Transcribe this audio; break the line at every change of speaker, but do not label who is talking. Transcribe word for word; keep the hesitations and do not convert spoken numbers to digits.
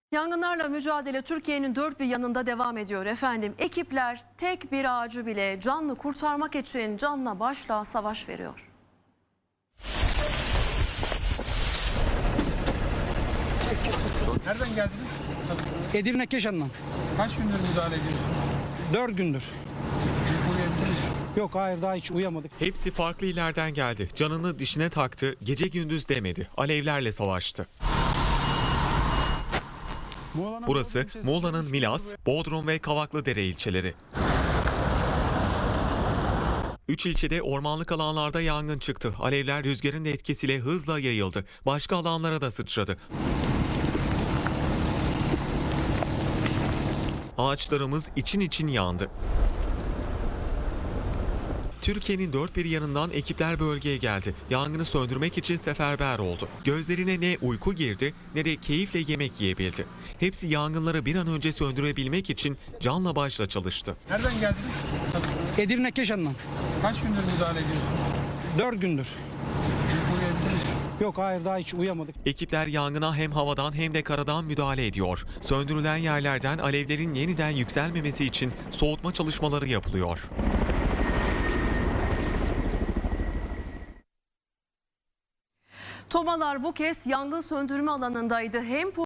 Yangınlarla mücadele Türkiye'nin dört bir yanında devam ediyor efendim. Ekipler tek bir ağacı bile canlı kurtarmak için canla başla savaş veriyor.
Nereden geldiniz?
Edirne Keşan'dan.
Kaç gündür müdahale ediyorsunuz?
Dört gündür.
Uyuyabildiniz mi?
Yok hayır daha hiç uyuyamadık.
Hepsi farklı illerden geldi. Canını dişine taktı, gece gündüz demedi. Alevlerle savaştı. Burası Muğla'nın Milas, Bodrum ve Kavaklıdere ilçeleri. Üç ilçede ormanlık alanlarda yangın çıktı. Alevler rüzgarın etkisiyle hızla yayıldı. Başka alanlara da sıçradı. Ağaçlarımız için için yandı. Türkiye'nin dört bir yanından ekipler bölgeye geldi. Yangını söndürmek için seferber oldu. Gözlerine ne uyku girdi ne de keyifle yemek yiyebildi. Hepsi yangınları bir an önce söndürebilmek için canla başla çalıştı.
Nereden geldiniz?
Edirne Keşan'dan.
Kaç gündür müdahale ediyorsunuz?
Dört gündür.
Uyuyabildiniz mi?
Yok hayır daha hiç uyuyamadık.
Ekipler yangına hem havadan hem de karadan müdahale ediyor. Söndürülen yerlerden alevlerin yeniden yükselmemesi için soğutma çalışmaları yapılıyor.
Tomalar bu kez yangın söndürme alanındaydı. Hem